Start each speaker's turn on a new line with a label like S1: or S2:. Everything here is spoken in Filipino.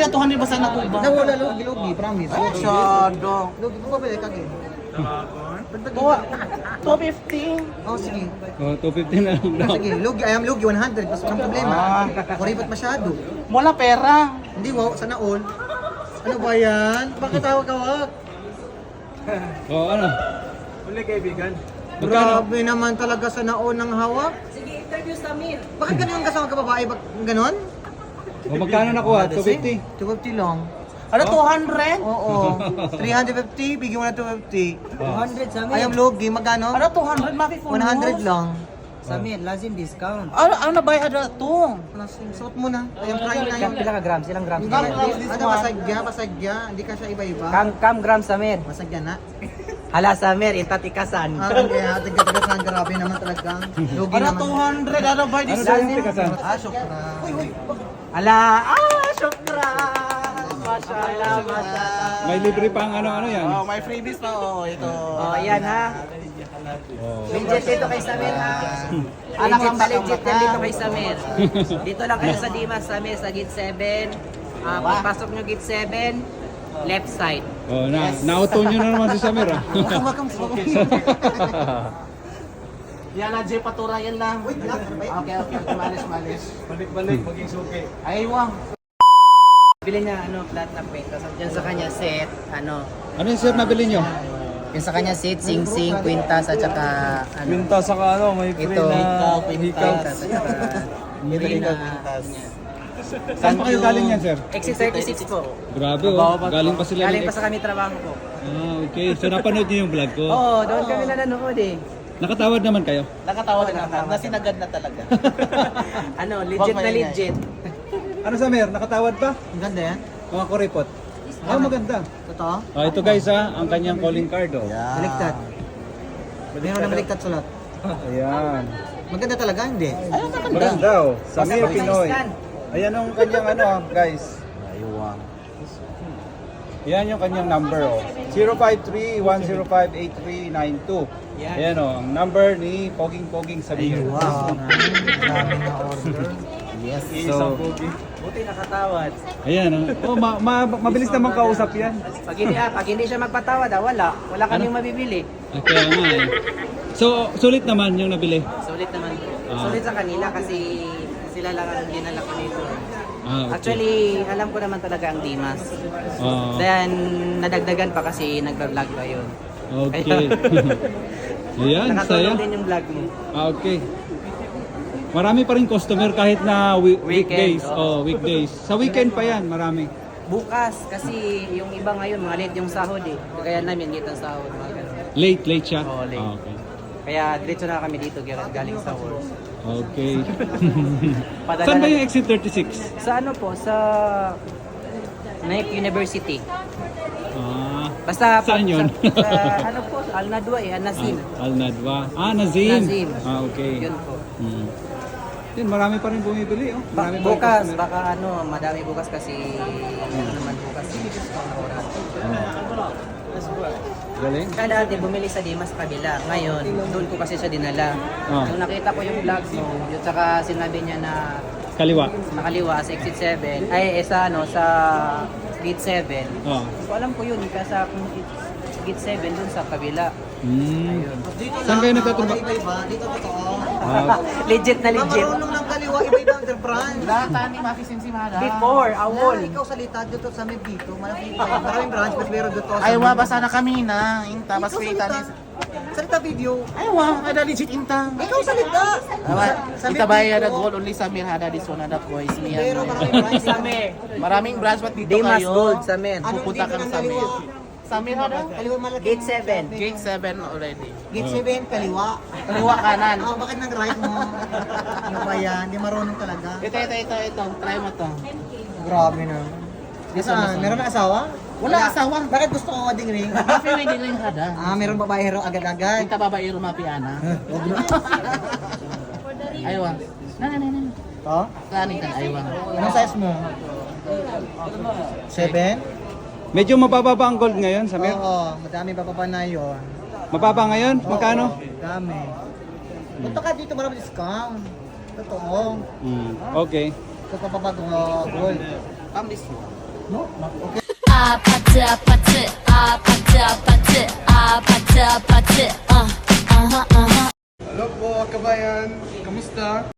S1: Kuya, 200 ba sana ko ba?
S2: Nawala lugi, promise.
S1: Ay, masyado.
S2: Lugi ko pa ba kagi?
S1: 250.
S2: Oh, sige.
S3: Oh, 250 na lang daw.
S2: Sige, lugi, I am lugi 100. Basta walang problema. Kuripot masyado.
S1: Wala pera.
S2: Hindi, wow, sana all. Ano ba yan? Bakit tawag-tawag?
S3: Oh, ano?
S4: Uli kaibigan.
S2: Grabe naman talaga sa naon ng hawak.
S5: Sige, interview sa Amir.
S2: Bakit ganun yung kasama ka babae? Ganon?
S3: O, magkano nakuha? 250?
S2: 250 lang.
S1: Ano, 200?
S2: Oo. 350, bigyan mo na 250.
S5: 200 sa Amir.
S2: Ayaw lugi, magkano?
S1: Ano, 200? Maki
S2: 100 lang.
S5: Sa Amir, lazim discount.
S1: Ano na ba ada to?
S2: Suot mo na. Ayang prime na yun.
S5: Pila ka grams? Ilang grams?
S2: Hindi, ano, pasagya. Hindi ka siya iba-iba.
S5: Kam grams sa Amir.
S2: Masagya na.
S5: Hala sa Amir, intatikasan.
S2: Kaya tigas-tigas na grabe naman talaga. Lugi
S1: Ano,
S2: naman.
S1: 200? Ano ba?
S3: Ano daw yung tikasan?
S2: Syukra.
S5: Ala, syukran. Mashallah, mashallah.
S3: May libre pang ano-ano yan.
S1: Oh, may freebies na. Oh, ito.
S5: Oh, ayan ha.
S3: Oh.
S5: Legit dito kay Samir ha.
S1: Anak
S5: Legit
S1: ang
S5: na legit
S1: baka-baka.
S5: yan dito kay Samir. Dito lang kayo sa Dimas, Samir, sa gate 7. Pagpasok nyo gate 7, left side.
S3: Oh, na-auto nyo na naman si Samir ah.
S2: Wakam.
S1: Yan na, Jay Patura, yan lang. Okay, malis.
S4: Balik-balik, maging suki.
S1: Ay, wang.
S5: Bili niya flat na paint. Tapos dyan sa kanya set,
S3: Ano yung sir nabili nyo?
S5: yung sa kanya set, sing-sing, kwintas, at saka
S4: Minta sa ano, may free
S5: Ito.
S4: na hikaw.
S5: kwintas, at saka
S3: Saan pa kayo galing yan sir?
S5: Exit 36 po.
S3: Grabe oh, galing pa sila
S5: Galing
S3: ng
S5: pa sa kami trabaho po.
S3: Ah, okay. So napanood nyo yung vlog ko?
S5: Oo, doon kami nanonood eh.
S3: Nakatawad naman kayo?
S1: Nakatawa na naman. Nasinagad na talaga.
S5: Legit na
S1: maingay.
S5: legit.
S3: Ano Samir, nakatawad pa?
S2: Ang ganda yan.
S3: Mga kuripot? Ah, maganda.
S2: Totoo?
S3: Ah, ito guys ang kanyang calling card oh.
S2: Baliktad. Meron na baliktad sulat.
S3: Ayan.
S2: Maganda talaga, hindi?
S3: Maganda oh. Samir
S5: Basta
S3: Pinoy.
S5: scan.
S3: Ayan ang kanyang guys. Yan yung kanyang number oh. 053-105-8392. Ayan oh, ang number ni Poging Samir.
S2: Wow. Dami na order.
S1: Yes.
S3: So,
S5: Buti nakatawad.
S3: ayan oh. Mabilis naman kausap yan.
S5: Pag hindi siya magpatawad, wala kaming mabibili.
S3: Kaya nga eh. So, sulit naman yung nabili.
S5: Sulit naman po.
S3: Ah.
S5: Sulit sa kanila kasi sila lang ang dinala ko dito.
S3: Ah, okay.
S5: Actually, alam ko naman talaga ang Dimas.
S3: Ah,
S5: Then, nadagdagan pa kasi nagba-vlog pa yun.
S3: okay. Ayan, saya.
S5: Nakatulong din yung vlog mo.
S3: Ah, okay. Marami pa rin customer kahit na weekdays.
S5: Weekend,
S3: Oh, weekdays. Sa weekend pa yan, marami.
S5: Bukas, kasi yung iba ngayon, mga late yung sahod eh. Kaya namin, late ang sahod. Mga ganun.
S3: Late siya?
S5: Oo, late.
S3: Ah, okay.
S5: Kaya diretso na kami dito, galing sa work.
S3: Okay.
S5: Padala
S3: Saan ba
S5: na-
S3: yung exit 36?
S5: Sa ano po, sa Naip University.
S3: Ah,
S5: Basta
S3: Saan yun?
S5: sa ano po, Al Nadwa eh, Al Nazim.
S3: Al Nadwa. Ah, Nazim.
S5: Nazim.
S3: Ah, okay.
S5: Yun po.
S3: Hmm. Yun, marami pa rin bumibili. Oh. Marami pa rin
S5: Bukas,
S3: customer.
S5: baka madami bukas kasi ano naman bukas.
S3: Galing.
S5: Kaya dati bumili sa Dimas kabila. Ngayon, doon ko kasi siya dinala.
S3: Ah.
S5: Nung nakita ko yung vlogs mo, yun saka sinabi niya na
S3: Kaliwa.
S5: nakaliwa sa exit 7, sa gate 7.
S3: Oh.
S5: So alam ko yun, kaya sa gate 7 dun sa kabila.
S3: Hmm.
S2: Dito
S3: Saan kayo nagtatrabaho?
S2: Iba-iba. Dito totoo.
S3: Ah,
S5: Legit na legit.
S2: Marunong ng kaliwa, iba-iba ang brand.
S1: Data ni Maki Simsimada.
S5: Before, awol.
S2: Ikaw salita dito sa may dito. Maraming branch, but meron dito.
S1: Ay, wa, basa na kami na. Inta, bas
S2: Ikaw
S1: kita
S2: salita.
S1: ni...
S2: Salita video.
S1: Ay, wa, ada legit inta.
S2: Ikaw salita.
S1: Kita ba ada gold only Samir hada di zona da ko is miya.
S2: Pero maraming branch.
S1: Maraming branch ba't dito
S5: Dimas
S1: kayo?
S5: Gold sa men.
S2: Anong
S1: Pupunta
S2: dito
S1: ka
S2: ng
S1: sa
S2: kaliwa?
S1: Samir hada?
S2: Kaliwa malaki.
S5: Gate 7.
S1: Gate 7 already.
S2: Gate 7, kaliwa.
S1: Kaliwa kanan.
S2: Bakit nang right mo? Ano ba yan? Di marunong talaga.
S1: Ito. Try mo to.
S2: Grabe na. Saan? Meron na asawa?
S1: Wala asawa.
S2: Bakit gusto ko wedding ring?
S1: Kafe may diling hada.
S2: Meron babae hero agad-agad.
S1: Kita babae rumapiana.
S2: Huwag na.
S1: Aywa. Na.
S2: To?
S1: Kanin ka aywa.
S2: Anong size mo? 7?
S3: medyo mababa ba ang gold ngayon, Samir?
S2: Oo, madami bababa na yun.
S3: Mababa ngayon? Magkano?
S2: Oo, dami. Punta ka dito, marami discount. Totoo.
S3: Hmm. Okay.
S2: Ito pa gold.
S1: Pambis mo.
S6: 아파트 아파트 아파트 아파트 아파트 아파트
S2: Hello po, kabayan. Kamusta?